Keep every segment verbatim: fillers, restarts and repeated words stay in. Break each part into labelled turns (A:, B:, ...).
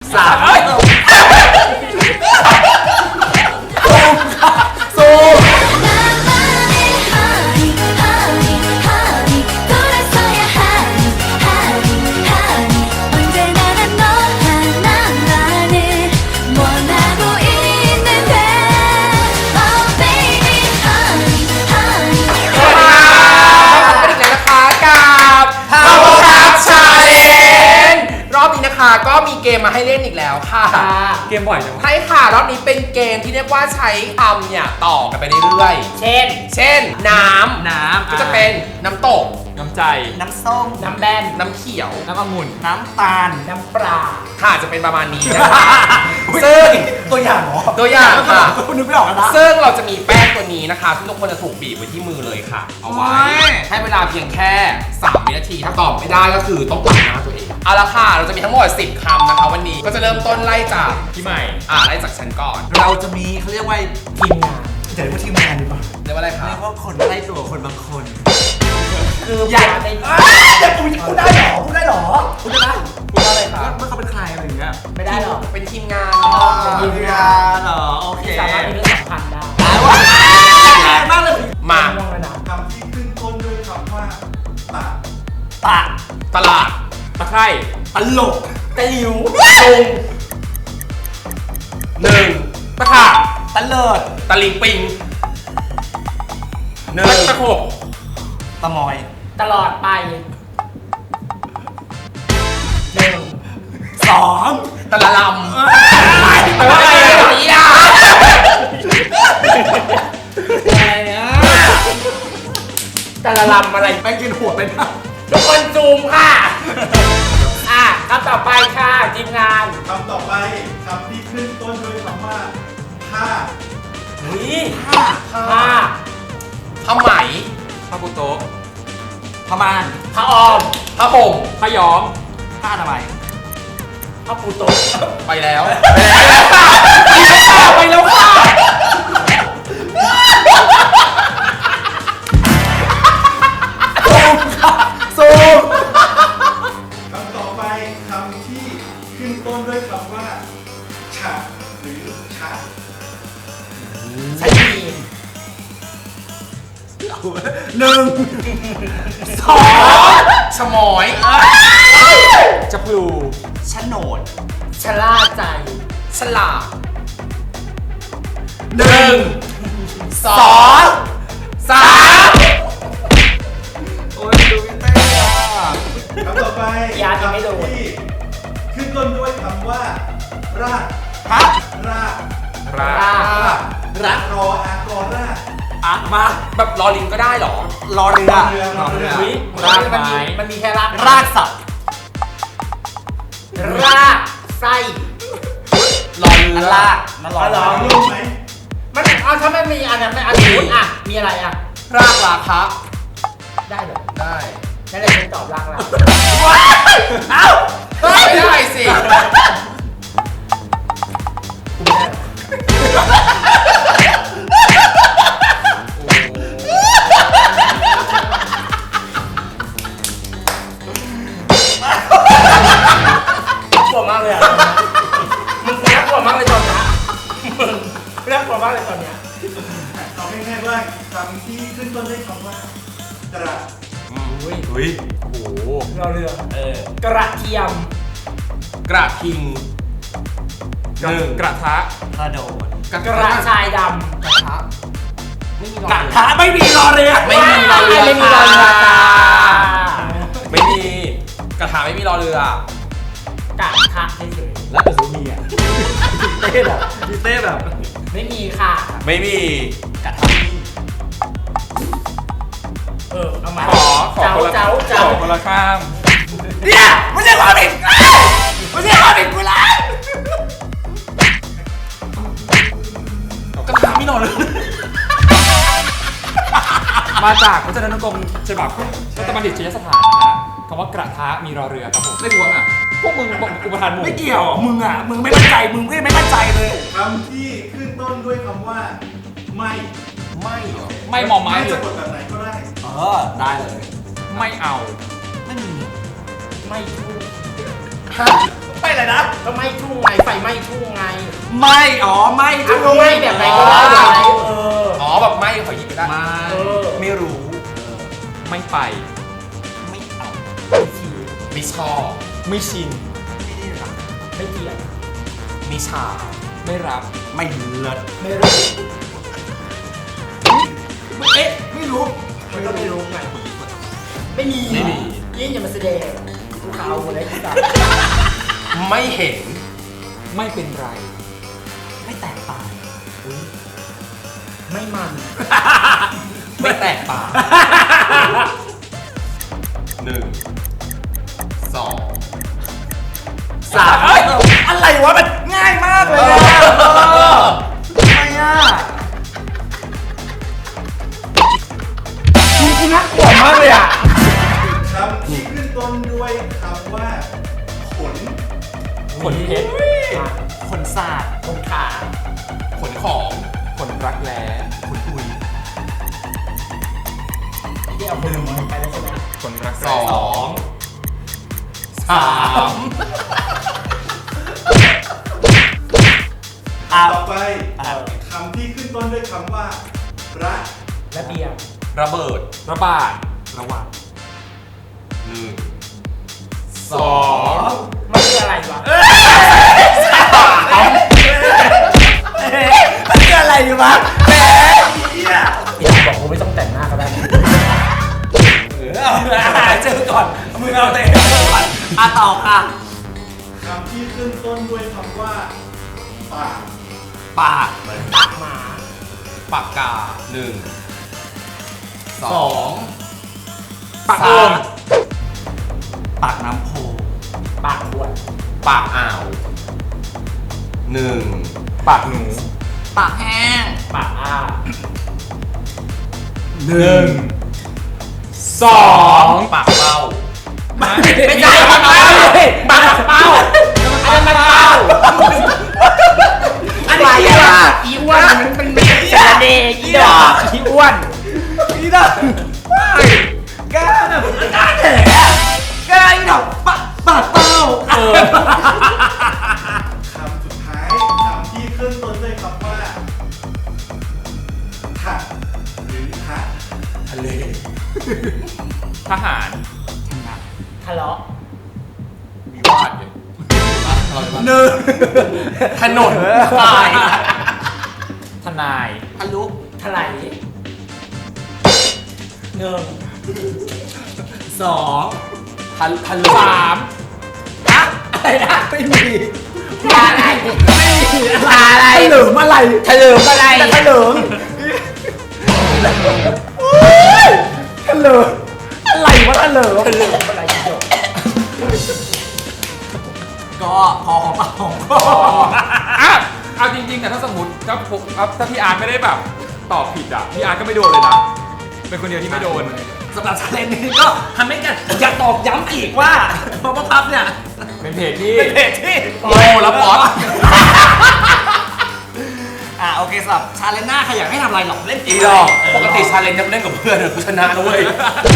A: สามซูก็มีเกมมาให้เล่นอีกแล้วค่ะ
B: เกมบ่อยจัง
A: ใช่ค่ะรอบนี้เป็นเกมที่เรียกว่าใช้คำเนี่ยต่อกันไปเรื่อย
C: ๆเช่น
A: เช่นน้ำ
B: น้ำ
A: ก็จะเป็นน้ำตก
B: น้ำใจ
C: น้ำส้มน้ำแบน
A: น้ำเขียว
B: น้ำองุ่น
C: น้ำตาลน้ำปลา
A: ค่ะจะเป็นประมาณนี้นะคะซึ่ง
C: ตัวอย่างเหรอ
A: ตัวอย่างค่ะ
C: คุณนึกไม่ออกนะ
A: ซึ่งเราจะมีแป้งตัวนี้นะคะที่ทุกคนจะถูกบีบไว้ที่มือเลยค่ะเอาไว้ให้เวลาเพียงแค่สามวินาทีถ้าตอบไม่ได้ก็คือต้องปัดหน้าตัวเองเอาละค่ะเราจะมีทั้งหมดสิบคำนะคะวันนี้ก็จะเริ่มต้นไล่จาก
B: พี่ใหม่
A: อ่าไล่จากฉันก่อน
C: เราจะมีเขาเรียกว่าทีมงานจะเรียกว่าทีมงานดีกว่า
A: เรียกว่าอะไรคะ
C: เรียกว่าคนไล่ตัวคนบางคน
A: คืออยากใน
C: เดี๋ยวพูดได้หรอพูดได้หรอพูดได้
A: พูดอะไรคะ
C: ว่าเขาเป็นใครอะไรอย่างเงี้ยไม่ได้หรอ
A: เป็นทีมงาน
C: เป็นทีมงานเหรอโอเคสามารถมีเรื่องสำคัญได้แรงมากเลย
A: มา
C: คำที่ขึ้นต้นด้วยคำว่าตะ
A: ตะตลาด
B: ตะไคร่
C: ตลกตะหลิว
A: ตรงหนึ่งตะขาบ
C: ตะเลิด
A: ตะลิงปิงหนึ่งตะโขบ
C: ตะมอย
D: ตลอดไป
C: หนึ่งสอง
A: ตะละลำตะละอะไรอ่ะ
D: อะไรอ่ะตะละลำอะไร
C: แป้งกินหัวไปนะ
D: ทุกคนซูมค่ะอ่ะคำต่อไปค่ะทีมงาน
C: คำต่อไปคำที่ขึ้นต้นด้วยคำว่าผ้า
D: เฮ้ย
C: ผ้า
D: ผ้า
A: ผ้าไหม
B: ผ้าปูโต๊ะ
C: ผ้าม่าน
D: ผ้าออม
A: ผ้าห่ม
B: ผ้าย้อม
C: ผ้าทำไม
D: ผ้าปูโต๊ะ
A: ไปแล้ว
D: ไปแล้วค่ะ
A: ซูม
C: คำต่อไปคำที่ขึ้นต้นด้วยคำว่าฉะหรือฉะ
D: ใช่ดี
C: หนึ่ง
A: สองชะมอย
B: จะพลู
C: ฉโนด
D: ชะล่าใจ
A: ฉลาดหนึ่งสองสาม
C: โอ้ยดูพี่เต้อะคำต่อไป
D: ยาที่ไม่โดน
C: ขึ้นต้นด้วยคำว่าราก
A: ฮะ
C: ราก
A: ราก
C: รักรออากรรากอ่ะมา
A: แบบรอลิงก็ได้หรอ
C: รอเรือ
A: รอเรือ
D: รากไม้มันมีแค่ราก
C: รากสับ
D: รากไส้
A: รอเรือ
C: รากมันรอรู้ไหม
D: มันเอาถ้าไม่มีอันนั้นไม่อันนี้อ่ะมีอะไรอ่ะ
A: รากราคะ
D: ได้เหรอ
A: ได้
D: นั่นเลยฉันตอบรากละ
A: เอ้าไม่ได้สิ
D: กลัวมากเลยอ่ะมึงน่ากลัวมากเลยตอนนี้มึงน่ากลัวมากเลยตอนนี้
C: เอาง่ายๆว่าคำที่ขึ้นต้นด้วยคำว่ากระ
B: อุ้ยอุ้ยโอ้โห
D: เราเรือเออกระเทียม
A: กระทิง
B: หนึ่งกระทะ
C: กระโดด
D: กระชายดำ
A: กระทะ
C: ไม่มีกระทะไม่มีรอเรือ
A: ไม่มีรอเรือ
D: ไม่มีรอเรือ
A: ไม่มีกระทะไม่มีรอเรื
D: อกระทะเฉย
C: ๆแล้วแต่ซูมีอ่ะเต้แบบมีเต้แบบ
D: ไม่มีค่ะ
A: ไม่มี
C: กระทะ
D: เออเอามา
B: ขอขอคนละขอคนละข้าม
C: เนี่ยไม่ใช่ความผิดไม่ใช่ความผิดกูละ
A: กระทะไม่นอนเลย
B: มาจากพจนานุกรมฉบับรัฐบัณฑิตยสถานนะฮะคำว่ากระทะมีรอเรือครับผม
A: ไม่ควรอ่ะ
B: พวกมึงอุปทานมึง
C: ไม่เกี่ยวมึงอ่ะมึงไม่มั่นใจมึงไม่ไม่มั่นใจเลยคำที่ขึ้นต้นด้วยคำว่าไม่
A: ไม่เหรอ
B: ไม่มอไม้
C: เลยจะกดแบบไหนก็ได้เออได้เลย
B: ไม่เอา
C: ไม่มี
D: ไม่พูด
A: ฮะไม่
C: อะไรนะ
D: ก็ไม่ทุ่งไงไฟไหม้ทุ่งไง
C: ไม่อ๋อไม่
D: อ่ะก็ไม่แบบไหนก็ได้แบบไหนเออ
A: อ๋อแบบไม่ขอหยิบไปได้
C: ไม่
D: เออ
C: ไม่รู้
B: ไม่ไป
C: ไม่เอา
A: ไม่ชอบ
B: ไม่ชิน
C: ไม่ได้รัก
D: ไม่เกลียด
A: ไม่ชา
B: ไม่รับ
C: ไม่เลิศ
D: ไม่รู้
C: เอ๊ะไม่รู้
D: มันก็ไม่รู้ไงไม่มี
A: ไม่มี
D: ยิ่งอย่ามาแสดงกูขาวหมดเลยที่สัตว์
A: ไม่เห็น
B: ไม่เป็นไร
C: ไม่แตกต่าง
D: ไม่มัน
A: ไม่แตกต่างหนึ่งสอง
C: สามเอ้ยอะไรวะมันง่ายมากเลยอะเออทำไมอ่ะคุณคุณน่ากลัวมากเลยอ่ะคำที่ขึ้นต้นด้วยคำว่าขน
B: ขนเพชร
C: ขนศาสตร์
D: ตรงขา
A: ขนของ
B: ขนรักแร้
C: ขนอุย
D: ที่เอาคนมันไปแล้วใช่ไหม
B: ขนรัก
A: ส
B: แร้
A: องสาม
C: อ่ะ
E: ต่อไป
C: อ่ะ
E: คำที่ขึ้นต้นด้วยคำว่ารัก
D: ระเบียง
A: ระเบิด
B: ระบาด
C: ระวัง
A: หนึ่งส
B: ส
A: อ
B: อง ง
D: มันคืออะไรวะ
C: มันคืออะไรอยู่วะแหมเนี่ย
D: อยากบอกกูไม่ต้องแต่งหน้าก็ได้นะ
C: เจอก่อนมึงเอาแต่ก่อนอ่ะต่อค่ะ
E: คำที่ขึ้นต้นด้วยคำว่าปาก
C: ปาก
D: ปากหมา
A: ปากกาหนึ่งส
C: ส
A: อ
C: อง ง
B: ปากโอ่ง
C: ปากน้ำโพ
D: ปากขวด
A: ปากอ่าวหนึ่ง
B: ปากหนู
C: ปากแห้ง
D: ปากอ้า
B: หนึ่งสอง
A: ปากเป้า
C: ไม่ใช่ปากเป้าปากเป้า
D: อันนั้นมันเป้า
C: อันนี้อะไรอ่ะ
D: อีอ้วนมันเป็นเมฆเสเดอีดอกอีอ้วน
C: นี่นะไม่แกน่ะมันน่าแหนแกอีดอกปากปากเป้า
B: เออ
E: คำสุดท้ายคำที่ขึ้นต้นด้วยคำว่าถักหรือทะ
A: ทะเล
B: ทหาร
D: ทะเลาะ
A: มีวาดอยู่เราจะว่า
C: หนึ่ง
A: ถนนตาย
B: ทนาย
C: ทะลุ
D: ถลายหนึ่ง
C: สอง
A: ทะทะลุ
B: สาม
C: อะอะไรนะไม่มี
D: อะไร
C: ไม่มีอะไรถลิมอะไร
D: ถลิมอะไร
C: ถลิมโอ๊ยถลิมอะไรวะถลิม
D: ถลิมอะไรอีดอก
C: ก็พอของปากของคอ
B: อ่ะเอาจริงๆแต่ถ้าสมมติถ้าผมถ้าพี่อาร์ตไม่ได้แบบตอบผิดอ่ะพี่อาร์ตก็ไม่โดนเลยนะ เป็นคนเดียวที่ไม่โดน
C: สำหรับชาเลนจ์นี้ก็ทำให้กันอยากตอบย้ำอีกว่าเพราะว่าพับเนี่ย
B: เป็นเพจที่
C: เป็นเพจที่
A: โลแล้วป๊อต
C: อ่ะโอเคสำหรับชาเลนจ์หน้าใครอยากให้ทำอะไรหรอกเล่น
A: อีดอกปกติชาเลนจ์จะเล่นกับเพื่อนอะกูชนะนะเว้ย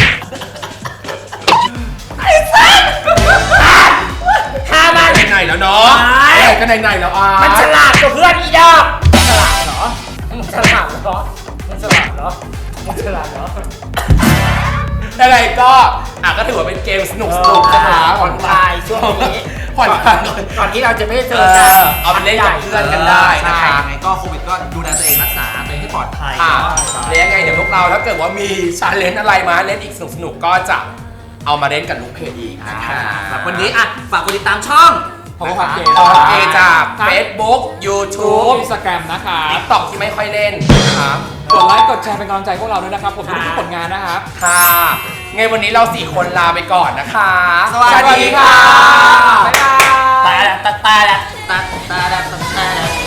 D: ห้ามัน
A: ไหนๆแล้วเนาะเอ้ยก็ไหนๆแล้วอ่ะ
D: มันฉลาดกว่าเพื่อนอีดอกฉลาดเหรอมันฉลาดเหรอมันฉลาดเหรอมันฉลาดเหรอ
A: ยังไงก็อ่ะก็ถือว่าเป็นเกมสนุกสนุกๆนะคะ
D: ผ่อนคลายช่วงนี้
A: ผ่อนคลาย
D: ก่อนที่เราจะไม่ได้เจ
A: เอ
D: อกัน
A: อเอาไปเล่นกับเพื่อนกันได้นะคะ
C: ใช่ยังไงก็โควิดก็ดูแลตัวเองรักษาตัวเองให้ปลอดภัย
A: ค่ะ
C: เนาะ
A: แล้วยังไงเดี๋ยวพวกเราถ้าเกิดว่ามีชาเลนจ์อะไรมาเล่นอีกสนุกๆก็จะเอามาเล่นกับลูกเพจอีก
C: อ่า
A: นะคะ
C: สำหรับวันนี้อ่ะฝากกดติดตามช่อง
B: เพราะว่าความเก
A: ขอ
B: ย์
A: เกจาก
B: ครับ
A: Facebook
B: ทู
A: YouTube
B: อินสตาแกรมนะคะ
A: TikTok ที่ไม่ค่อยเล่นนะคะ
B: กดไลค์กดแชร์เป็นกำลังใจพวกเราด้วยนะครับ ผมทุกๆผลงานนะครับ
A: ค่ะไงวันนี้เราสี่คนลาไปก่อนนะคะ
C: สวัสดีค่ะ
A: บ๊ายบาย
C: ตาละตาตาละตาตาละตาตาละ